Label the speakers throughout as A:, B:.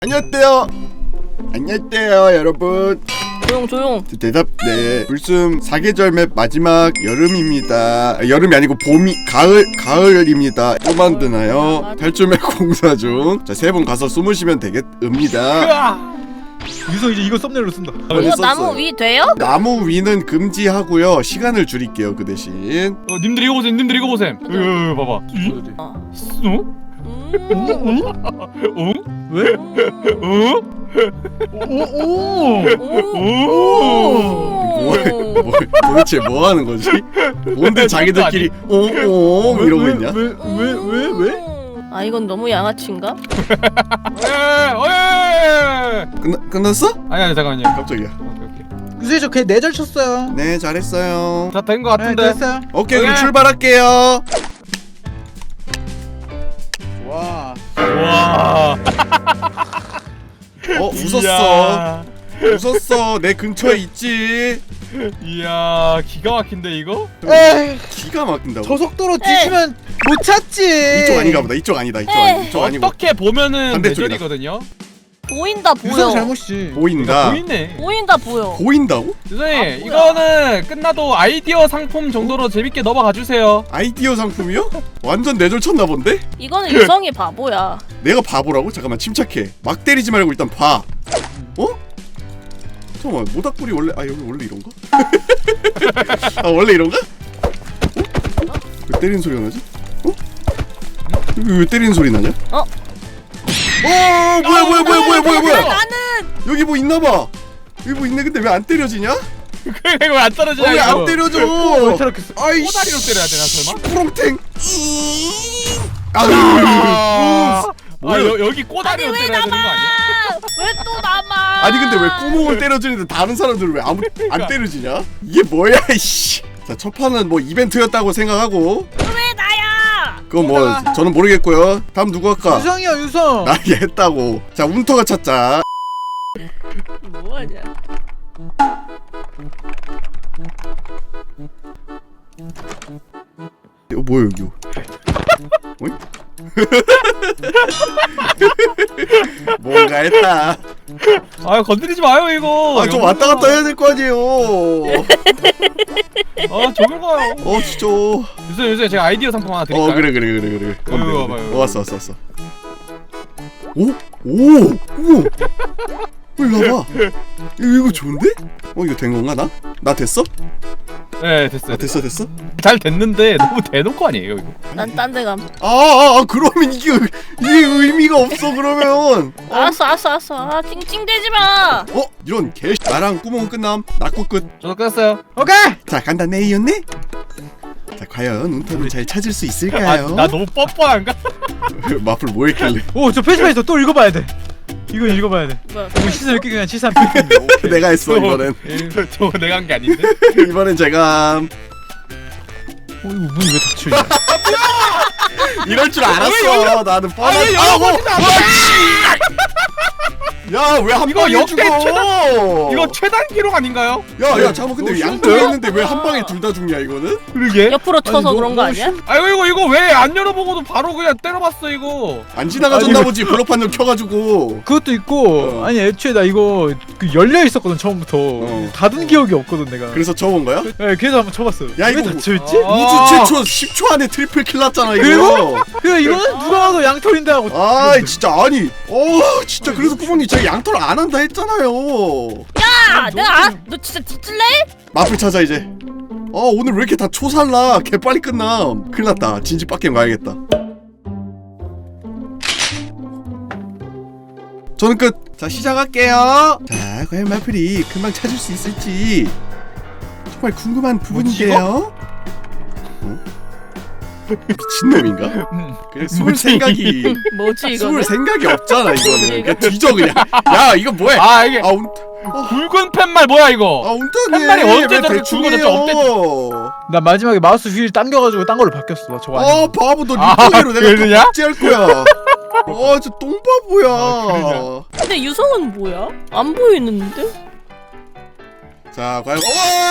A: 안녕하세요. 안녕하세요 여러분.
B: 조용.
A: 대답. 네, 불숨 4계절 맵 마지막 여름입니다. 여름이 아니고 가을입니다. 또 만드나요? 탈출맵 공사 중. 자, 3분 가서 숨으시면 되겠습니다.
C: 유성 이제 이거 썸네일로 쓴다.
B: 이거 나무 위 돼요?
A: 나무 위는 금지하고요. 시간을 줄일게요. 그 대신.
C: 님들 이거 보셈. 님들 이거 보셈. 봐봐. 왜?
A: 도대체 뭐 하는 거지? 뭔데 자기들끼리 오 이러고 있냐?
C: 왜?
B: 아 이건 너무 양아치인가?
A: 끝났어?
C: 아니 잠깐만요.
A: 깜짝이야.
C: 오케이.
D: 유수이 저 걔 내절 쳤어요.
A: 네, 잘했어요.
C: 다 된 거 같은데.
D: 네, 됐어요.
A: 오케이, 그럼
C: 오케이.
A: 출발할게요.
D: 와.
C: 와.
A: 웃었어. 웃었어. 내 근처에 있지.
C: 이야 기가 막힌데 이거?
D: 에이,
A: 기가 막힌다고.
D: 저 속도로 뒤치면 못 찾지.
A: 이쪽 아닌가 보다. 이쪽 아니다. 이쪽 아니고.
C: 어떻게 보면은
A: 반대쪽이다.
C: 내절이거든요.
B: 보인다 보여.
D: 유성 잘못이지.
A: 보인다.
C: 보이네.
B: 보인다 보여.
A: 보인다고?
C: 유선이
B: 뭐야.
C: 이거는 끝나도 아이디어 상품 정도로 재밌게 넘어가 주세요.
A: 아이디어 상품이요? 완전 내절 쳤나 본데?
B: 이거는 유성이 바보야.
A: 내가 바보라고? 잠깐만, 침착해. 막 때리지 말고 일단 봐. 어? 잠깐만, 모닥불이 원래 여기 원래 이런가? 아, 원래 이런가? 왜 때리는 소리가 나지? 여기 왜 때리는 소리 나냐? 뭐야?
B: 나는
A: 여기 뭐 있나봐. 여기 뭐 있네. 근데 왜 안 때려지냐?
C: 이거 안 떨어지냐?
A: 왜 안
C: 이거?
A: 때려져?
D: 왜 저렇게 써?
A: 아이씨.
C: 꼬다리로 때려야 되나 설마?
A: 프롱탱.
C: 여기 꼬다리로
B: 왜
C: 때려야 되는 거 아니야?
B: 왜 또 남아?
A: 아니 근데 왜 구멍을 때려주는데 다른 사람들은 왜 안 때려지냐? 이게 뭐야 이씨. 자, 첫 판은 뭐 이벤트였다고 생각하고.
B: 왜 나야?
A: 그건 뭐 저는 모르겠고요. 다음 누구 할까?
D: 유성이야 유성.
A: 나 얘 했다고. 자, 운터가 찾자.
B: 뭐하냐?
A: 이거 뭐야 여기? 어이? 뭔가 했다.
C: 아 건드리지 마요 이거.
A: 좀 왔다 갔다 해야 될 거 아니에요.
C: 저걸 가요.
A: 진짜.
C: 요새 제가 아이디어 상품 하나 드릴까요?
A: 그래.
C: 이거 봐봐요.
A: 왔어. 오. 일로 와봐. 이거 좋은데? 이거 된 건가 나 됐어?
C: 네 됐어요.
A: 됐어?
C: 잘 됐는데 너무 대놓고 아니에요 이거?
B: 난 딴 데 감.
A: 그러면 이게 의미가 없어 그러면.
B: 알았어. 아 찡찡대지 마.
A: 이런 개. 나랑 구멍 끝남. 낙구 끝.
C: 저도 끝났어요.
D: 오케이.
A: 자, 간다 네이였네. 자, 과연 운터는 잘 찾을 수 있을까요?
C: 나 너무 뻔뻔한가?
A: 마플 뭐 했길래?
D: 오저 페이지에서 또 읽어봐야 돼. 이거 읽어봐야 돼.
B: 뭐야?
D: 이거 시선 이렇게 그냥 73.
A: 내가 했어 이번엔.
C: 저거 내가 한 게 아닌데?
A: 이번엔 제가
D: 이거 문이 왜 닫혀 있냐?
A: 이럴 줄 알았어. 나는 뻔한. 야왜 한
C: 이거
A: 방에
C: 역대
A: 죽어?
C: 이거 최단 기록 아닌가요?
A: 야 잠깐 근데
D: 너무
A: 양쪽에
D: 쉬운데요?
A: 있는데 왜 한 방에 둘 다 죽냐 이거는?
C: 그러게.
B: 옆으로 쳐서
D: 너무-
B: 그런 거
D: 너무
B: 아니야?
C: 아이고 이거 왜 안 열어보고도 바로 그냥 때려봤어 이거.
A: 안 지나가졌나 보지. 블록판 좀 켜가지고.
D: 그것도 있고 아니 애초에 나 이거 열려 있었거든 처음부터. 닫은 기억이 없거든 내가.
A: 그래서 쳐본 거야?
D: 네, 그래서 한번 쳐봤어요.
A: 야,
D: 왜
A: 이거
D: 닫혀 있지?
C: 아.
A: 우주 최초 10초 안에 트리플 킬 났잖아 이거.
D: 그리고? 그래 이거는 누가 봐도 양털인데 하고.
A: 진짜 아니. 진짜 그래서 구멍이 제가 양털 안 한다 했잖아요.
B: 너 진짜 뒤질래?
A: 마플 찾아 이제. 오늘 왜 이렇게 다 초살라? 개 빨리 끝남. 큰일 났다. 진지 빡겜 가야겠다. 저는 끝. 자, 시작할게요. 자, 과연 마플이 금방 찾을 수 있을지 정말 궁금한 부분인데요. 미친놈인가? 그래, 숨을 생각이
B: 뭐지 이거?
A: 숨을 생각이 없잖아 이거는. 그냥 뒤져 그냥. 야, 이거 뭐해?
C: 이게
A: 운
C: 굵은 팻말 뭐야 이거?
A: 운터님
C: 한 마리 언제
A: 왜
C: 저렇게
A: 대충해요?
D: 나 마지막에 마우스 휠 당겨가지고 딴 걸로 바뀌었어. 나 저거 아니야.
A: 바보 너 리포기로 내가
C: 그러냐?
A: 박제할 거야. 저 똥바보야.
C: 그러냐?
B: 근데 유성은 뭐야? 안 보이는데?
A: 자, 과연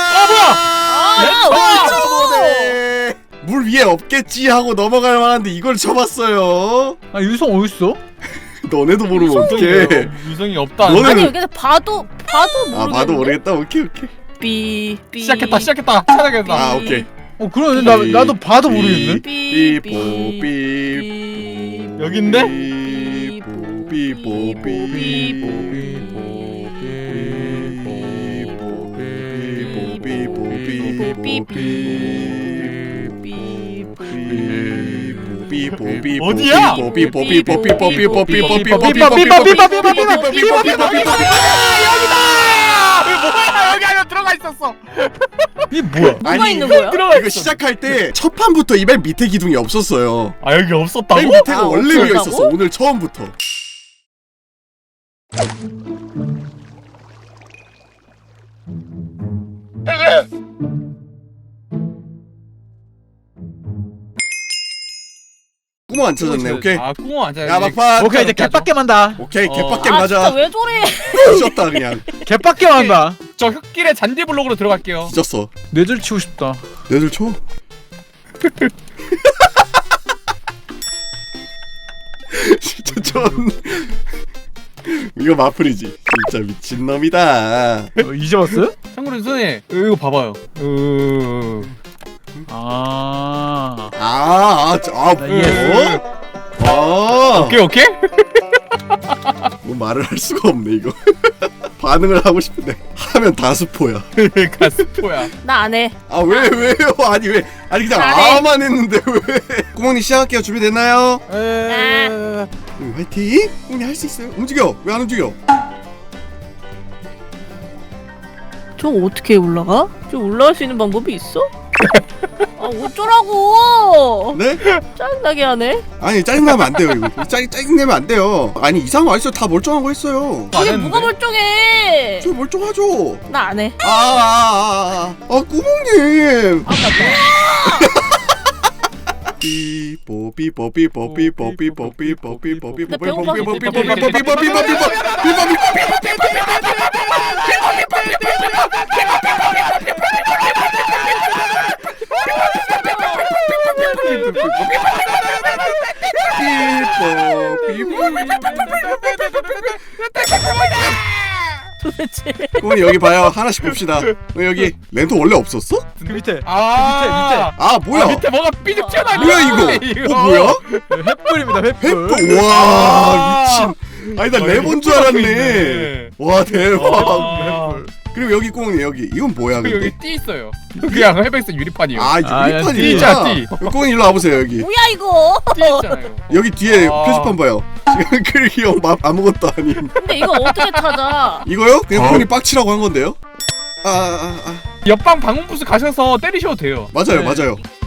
B: 뭐야?
A: 물 위에 없겠지 하고 넘어갈 만한데 이걸 쳐봤어요.
D: 아 유성 어딨어?
A: 너네도 모르면 어떡해.
C: 유성이 없다.
A: 너는-
B: 아니 여기서 봐도 모르겠는데.
A: 아 봐도 모르겠다. 오케이.
B: 삐
C: 시작했다. 찾아야겠다.
A: 아 오케이.
D: 그러네. 나도 봐도 모르겠네.
A: 삐뽀
C: 여긴데?
A: 삐뽀
C: 어디야? 뭐야? 여기 안에 들어가 있었어.
D: 이게 뭐야?
B: 뭐가 있는 거야?
C: 들어가
A: 이거 시작할 때 첫 판부터 이 맨 밑에 기둥이 없었어요.
C: 아 여기 없었다고?
A: 맨 밑에가
B: 아,
A: 원래 위에
B: 없었다고?
A: 있었어. 오늘 처음부터. 구멍 안 쳐졌네. 오케이.
C: 아 구멍 안
A: 야 막판.
D: 오케이 이제 개빡게 만다.
A: 오케이
C: 어.
A: 개빡게
B: 아 진짜
A: 맞아.
B: 왜 저래?
A: 뒤졌다 그냥.
D: 개빡게 만다.
C: 저 흙길의 잔디 블록으로 들어갈게요.
A: 뒤졌어.
D: 뇌절 치고 싶다.
A: 내들 쳐. 진짜 전 이거 마플이지. 진짜 미친 놈이다.
D: 이제 왔어요?
C: 참고로 선생님 이거 봐봐요.
D: 아.
A: 뭐? 아,
C: 오케이.
A: 뭐 말을 할 수가 없네 이거. 반응을 하고 싶은데 하면 다 스포야.
C: 가스포야.
B: 나 안 해.
A: 아 왜요? 아니 그냥
B: 잘해.
A: 아만 했는데 왜? 구멍님 시작할게요. 준비됐나요? 화이팅! 구멍님 할 수 있어요. 움직여. 왜 안 움직여?
B: 저거 어떻게 올라가? 저 올라갈 수 있는 방법이 있어? 아 어쩌라고?
A: 네?
B: 짜증나게 하네.
A: 아니 짜증나면 안 돼요 이거. 짜증내면 안 돼요. 아니 이상한 거 아니죠? 다 멀쩡한 거 했어요.
C: 안
B: 이게
C: 했는데?
B: 뭐가 멀쩡해?
A: 저 멀쩡하죠?
B: 나 안 해.
A: 구멍님.
B: 아, 나 도대체
A: 구멍님 여기 봐요. 하나씩 봅시다. 여기 랜턴 원래 없었어?
D: 그 밑에.
C: 아
A: 아 뭐야?
C: 밑에 뭐가 삐죽 튀어나와.
A: 뭐야 이거? 뭐야?
D: 횃불입니다. 횃불.
A: 횃불. 와 미친. 아니 나 레몬 줄 알았네. 와 대박. 그리고 여기 구멍님 여기 이건 뭐야 근데?
C: 여기 띠 있어요. 그냥 해백스 유리판이요.
A: 아
D: 아,
A: 유리판이구나.
C: 띠자, 띠.
A: 구멍님 일로 와보세요 여기.
B: 뭐야 이거?
C: 띠 있잖아요.
A: 여기 뒤에
C: 아.
A: 표지판 봐요. 지금 그리기 아무것도 아닌.
B: 근데 이거 어떻게 찾아?
A: 이거요? 그냥 구멍님 빡치라고 한 건데요?
C: 옆방 방음부스 가셔서 때리셔도 돼요.
A: 맞아요
C: 네.
A: 맞아요.